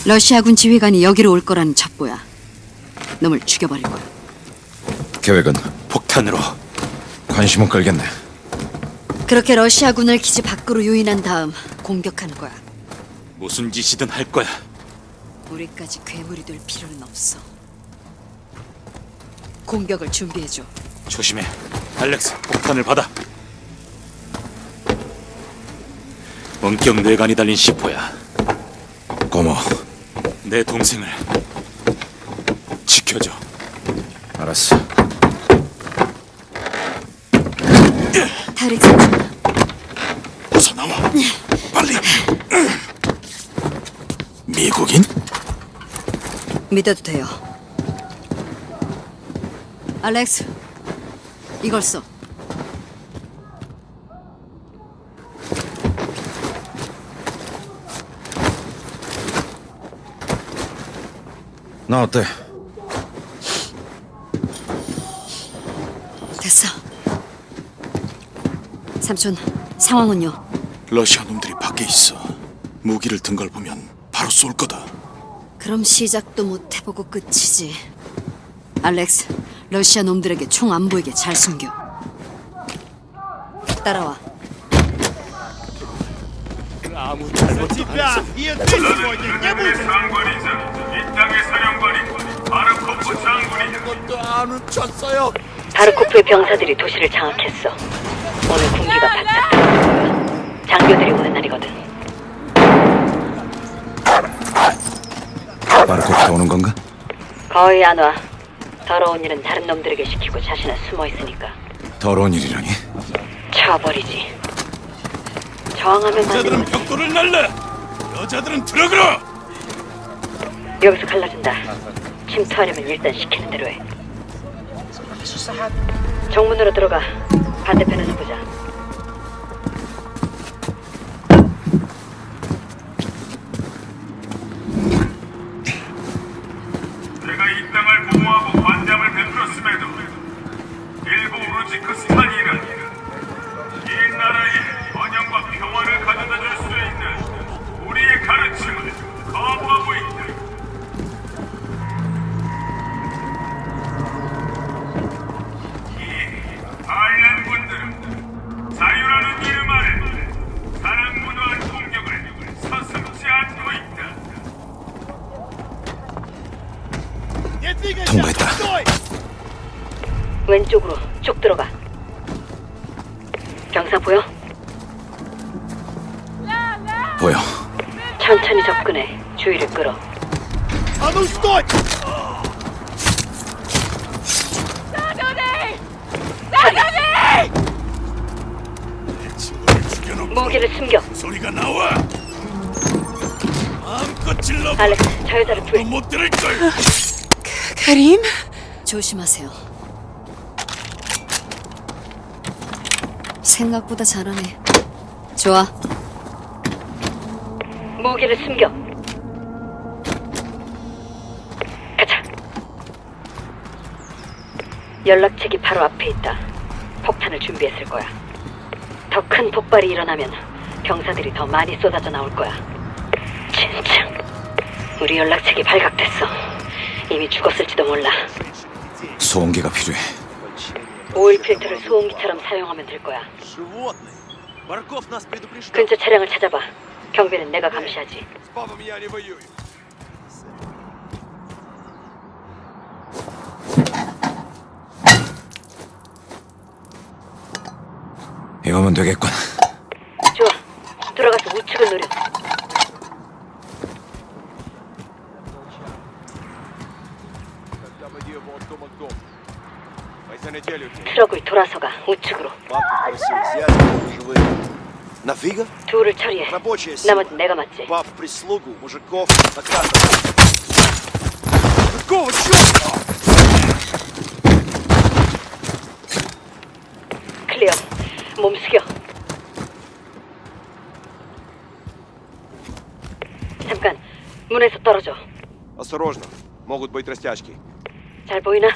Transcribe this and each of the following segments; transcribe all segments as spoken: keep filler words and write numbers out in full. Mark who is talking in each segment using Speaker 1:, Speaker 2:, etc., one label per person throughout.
Speaker 1: 러시아군 지휘관이 여기로 올 거라는 첩보야. 놈을 죽여버릴 거야.
Speaker 2: 계획은 폭탄으로. 관심은 끌겠네.
Speaker 1: 그렇게 러시아군을 기지 밖으로 유인한 다음 공격하는 거야.
Speaker 3: 무슨 짓이든 할 거야.
Speaker 1: 우리까지 괴물이 될 필요는 없어. 공격을 준비해줘.
Speaker 3: 조심해. 알렉스, 폭탄을 받아. 원격 뇌관이 달린 시포야.
Speaker 2: 고마워.
Speaker 3: 내 동생을 지켜줘.
Speaker 2: 알았어.
Speaker 1: 타릭 삼촌,
Speaker 3: 어서 나와. 빨리. 미국인?
Speaker 1: 믿어도 돼요. 알렉스, 이걸 써.
Speaker 2: 나 어때?
Speaker 1: 됐어. 삼촌, 상황은요?
Speaker 3: 러시아 놈들이 밖에 있어. 무기를 든 걸 보면 바로 쏠 거다.
Speaker 1: 그럼 시작도 못 해보고 끝이지. 알렉스, 러시아 놈들에게 총 안 보이게 잘 숨겨. 따라와.
Speaker 3: 아무 잘못도 안 했어.
Speaker 4: 상관이자 이 땅의 사령관이 바르코프 장군이다.
Speaker 3: 것도 안 훔쳤어요.
Speaker 1: 바르코프의 병사들이 도시를 장악했어. 오늘 군기가 바짝 들어갈 거야. 장교들이 오는 날이거든.
Speaker 2: 바르코프가 오는 건가?
Speaker 1: 거의 안 와. 더러운 일은 다른 놈들에게 시키고 자신은 숨어 있으니까.
Speaker 2: 더러운 일이라니?
Speaker 1: 쳐버리지. 저항하면
Speaker 3: 여자들은
Speaker 1: 만드는
Speaker 3: 벽돌을 날라. 여자들은 들어가라.
Speaker 1: 여기서 갈라준다. 침투하려면 일단 시키는 대로 해. 정문으로 들어가. 반대편에서 보자.
Speaker 4: 내가 이 땅을 보호하고 관장을 베풀었음에도 일부 우르지크스탄이라니 이 나라에 번영과 평화를 가져다 줄 수 있는 우리의 가르침을 거부하고 있다. 이 반란군들은 자유라는 이름 아래 사랑무도한 공격을 서슴지 않고 있다.
Speaker 2: 통과했다.
Speaker 1: 왼쪽으로 쭉 들어가. 병사 보여?
Speaker 2: 보여.
Speaker 1: 천천히 접근해. 주의를 끌어.
Speaker 3: 친구를 죽여놓고
Speaker 1: 무기를 숨겨.
Speaker 3: 소리가 나와. 마음껏 질러봐.
Speaker 1: 알렉스, 저 여자를
Speaker 3: 또
Speaker 1: 구해.
Speaker 3: 못 들을 걸.
Speaker 5: 카림?
Speaker 1: 조심하세요. 생각보다 잘하네. 좋아. 무기를 숨겨. 가자. 연락책이 바로 앞에 있다. 폭탄을 준비했을 거야. 더 큰 폭발이 일어나면 병사들이 더 많이 쏟아져 나올 거야. 진짜. 우리 연락책이 발각됐어. 이미 죽었을지도 몰라.
Speaker 2: 소음기가 필요해.
Speaker 1: 오일 필터를 소음기처럼 사용하면 될 거야. 근처 차량을 찾아봐. 경비는 내가 감시하지.
Speaker 2: 이거면 되겠군.
Speaker 1: 좋아. 들어가서 우측을 노려. 트럭을 돌아서가 우측으로.
Speaker 6: Нафига?
Speaker 1: 둘을 처리해.
Speaker 6: Рабочая сила.
Speaker 1: 나머지 내가 맞지.
Speaker 6: Баб, прислугу, мужиков, охрану. Какого черта?
Speaker 1: 클리어. 몸 숙여. 잠깐. 문에서 떨어져.
Speaker 6: Осторожно, могут быть растяжки.
Speaker 1: 잘 보이나?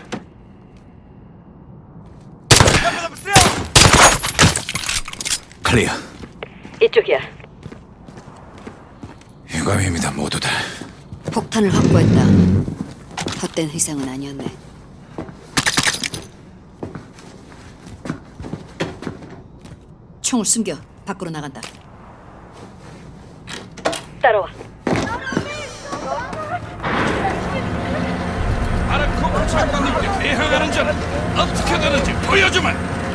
Speaker 2: 클리어.
Speaker 1: 이쪽이야.
Speaker 2: 유감입니다, 모두들.
Speaker 7: 폭탄을 확보했다. 헛된 희생은 아니었네. 총을 숨겨. 밖으로 나간다.
Speaker 1: 따라와.
Speaker 8: 아르코프 장관님께 대항하는 자는 어떻게 되는지 보여주마.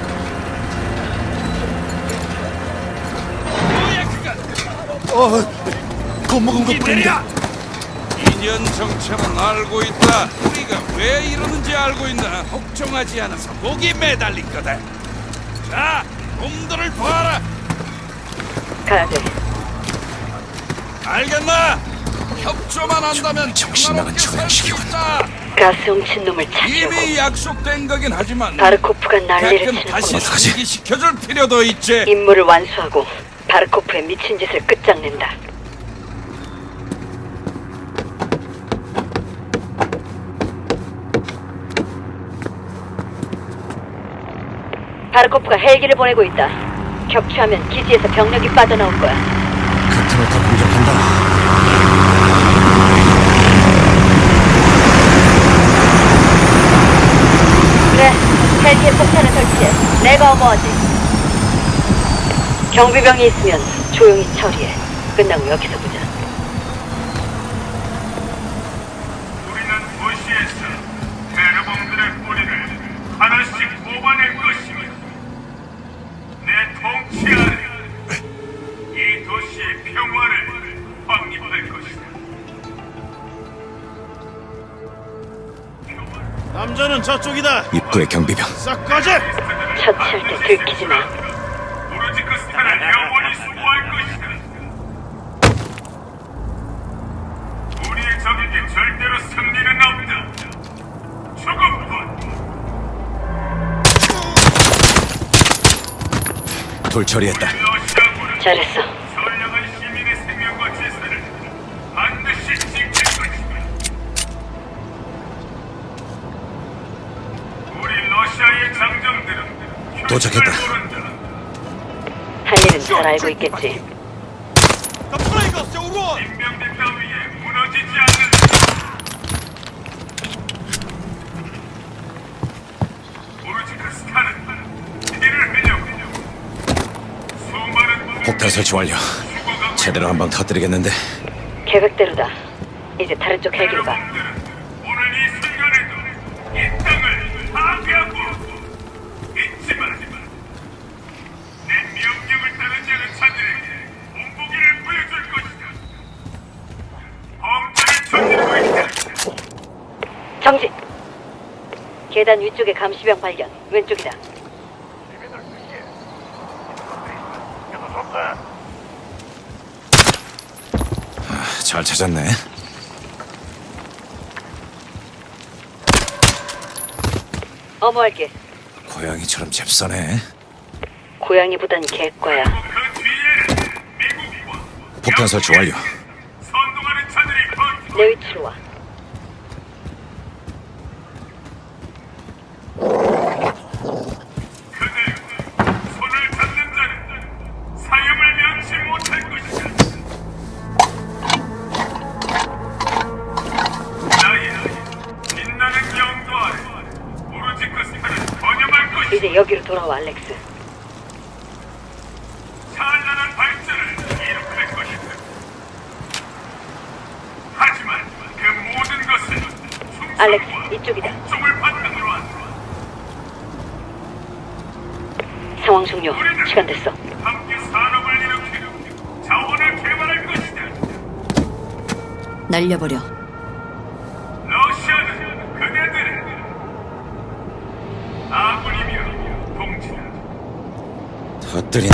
Speaker 8: 뭐야 그건?
Speaker 3: 어, 겁먹은 것 뿐인데.
Speaker 8: 이년 정체는 알고 있다. 우리가 왜 이러는지 알고 있나? 복종하지 않아서 목이 매달린 거다. 자, 놈들을 봐라.
Speaker 1: 가야 돼.
Speaker 8: 알겠나? 협조만 한다면
Speaker 2: 정신 나간
Speaker 8: 평화롭게 살수
Speaker 2: 처형식이군.
Speaker 8: 있다.
Speaker 1: 가스 훔친 놈을 찾으려고.
Speaker 8: 이미 약속된 거긴 하지만
Speaker 1: 바르코프가 난리를
Speaker 8: 가끔 다시
Speaker 1: 치는구나.
Speaker 2: 어떡하지?
Speaker 8: 상기시켜줄 필요도 있지.
Speaker 1: 임무를 완수하고 바르코프의 미친 짓을 끝장낸다. 바르코프가 헬기를 보내고 있다. 격추하면 기지에서 병력이 빠져나올 거야.
Speaker 2: 그 틈을 타 공격한다.
Speaker 1: 그래, 헬기에 폭탄을 설치해. 내가 어머하지. 경비병이 있으면 조용히 처리해. 끝나고 여기서 보자.
Speaker 4: 우리는 도시에서 테러범들의 뿌리를 하나씩 뽑아낼 것이며 내 통치 아래 이 도시의 평화를 확립할 것이다.
Speaker 3: 남자는 저쪽이다.
Speaker 2: 입구의 경비병.
Speaker 3: 싹 꺼져.
Speaker 1: 처치할 때 들키지 마.
Speaker 4: 우르지크스탄을 영원히 수호할 것이다. 우리의 적에게 절대로 승리는 없다. 죽음뿐.
Speaker 2: 돌 처리했다.
Speaker 4: 러시아군은
Speaker 1: 잘했어.
Speaker 4: 선량한 시민의 생명과 재산을 반드시 지킬 것이다. 우리 러시아의 장정들은
Speaker 2: 도착했다.
Speaker 4: 휴식을 모른다.
Speaker 1: 할 일은 잘 알고 있겠지.
Speaker 4: 인명대 따위에 무너지지 않는다. 우르지크스탄은 이를 흘려고 수많은
Speaker 2: 폭탄 설치 완료. 제대로 한 방 터뜨리겠는데.
Speaker 1: 계획대로다. 이제 다른 쪽 헬기로 가.
Speaker 4: 여러분들은 오늘 이 순간에도 이 땅을 파괴하고 있지만 내 명령을 따르지 않은 자들에게 본보기를 보여줄 것이다. 범죄를 저지르고 있다.
Speaker 1: 정지! 계단 위쪽에 감시병 발견. 왼쪽이다.
Speaker 2: 아, 잘 찾았네.
Speaker 1: 어머할게.
Speaker 2: 고양이처럼 잽싸네.
Speaker 1: 고양이보단 개과야.
Speaker 4: 그 뒤에는 미국과
Speaker 2: 폭탄 설치 완료.
Speaker 4: 선동하는 자들이 버티고
Speaker 1: 내 위치로 와.
Speaker 4: 그들 손을 잡는 자는 사형을 면치 못할 것이다. 나의 빛나는 영도 아래 우르지크스탄은 번영할 것이다.
Speaker 1: 이제 여기로 돌아와, 알렉스.
Speaker 4: 찬란한 발전을 이룩할 것이다. 하지만 그 모든 것은
Speaker 1: 알렉스,
Speaker 4: 충성과
Speaker 1: 이쪽이다.
Speaker 4: 복종을 바탕으로 한다.
Speaker 1: 상황 종료. 시간 됐어.
Speaker 4: 함께 산업을 일으키고 자원을 개발할 것이다.
Speaker 7: 날려버려.
Speaker 4: 러시아는 그네들의 아군이며 동지다.
Speaker 2: 터뜨린.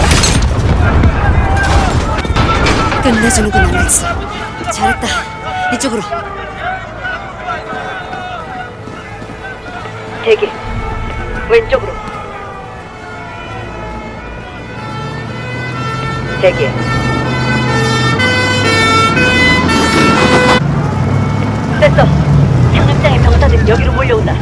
Speaker 7: 끝내주는구나, 알렉스. 잘했다. 이쪽으로.
Speaker 1: 대기. 왼쪽으로. 대기. 됐어. 상륙장의 병사들이 여기로 몰려온다.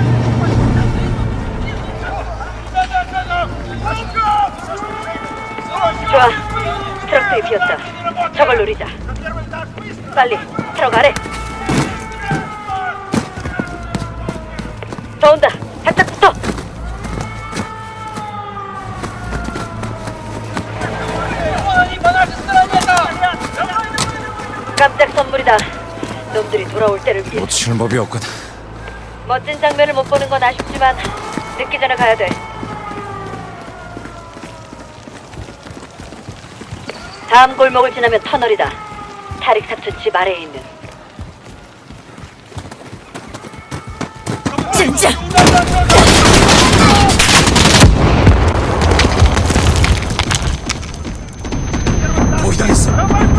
Speaker 1: 좋아. 트럭들이 비었다. 저걸 노리자. 빨리 트럭 아래. 더 온다. 바짝 붙어. 깜짝 선물이다. 놈들이 돌아올 때를 위해.
Speaker 2: 놓치는 법이 없거든.
Speaker 1: 멋진 장면을 못 보는 건 아쉽지만 늦기 전에 가야 돼. 다음 골목을 지나면 터널이다. 타릭 삼촌 집 아래에 있는.
Speaker 7: 진짜!
Speaker 2: 포위당했어.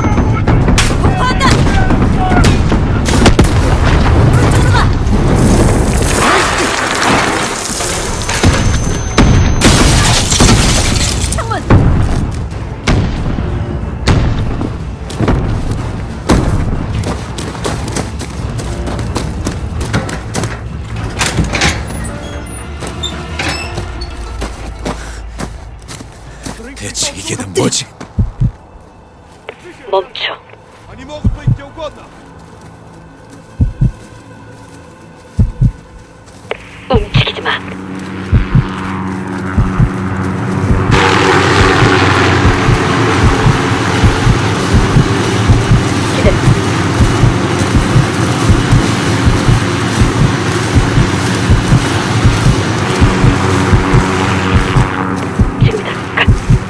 Speaker 2: 대체 이게 다 뭐지?
Speaker 1: 멈춰.
Speaker 6: Они могут быть где угодно.
Speaker 1: 움직이지 마. 기다려. 지금이다. 가.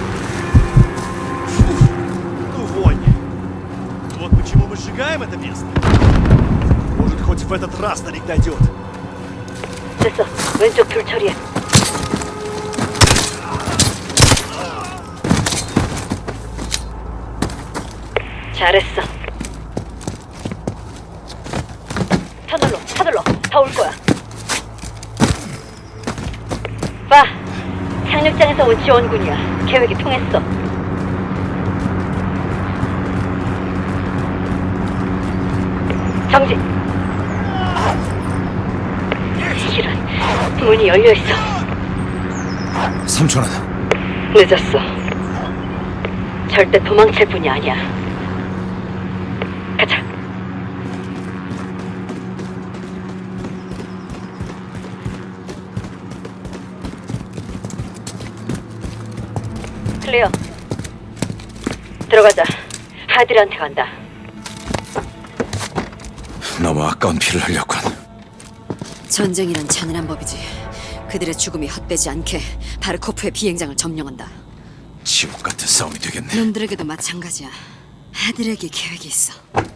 Speaker 9: Ну, вонь. Вот почему мы сжигаем это место. Может, хоть в этот раз старик дойдет.
Speaker 1: 됐어. 왼쪽 줄 처리해. 잘했어. 터널로, 터널로. 다 올 거야. 봐. 상륙장에서 온 지원군이야. 계획이 통했어. 정지. 이런, 문이 열려있어.
Speaker 2: 삼촌은
Speaker 1: 늦었어. 절대 도망칠 뿐이 아니야. 가자. 클리어. 들어가자. 하디르한테 간다.
Speaker 2: 너무 아까운 피를 흘렸군.
Speaker 7: 전쟁이란 잔인한 법이지. 그들의 죽음이 헛되지 않게 바르코프의 비행장을 점령한다.
Speaker 2: 지옥 같은 싸움이 되겠네.
Speaker 7: 놈들에게도 마찬가지야. 아들에게 계획이 있어.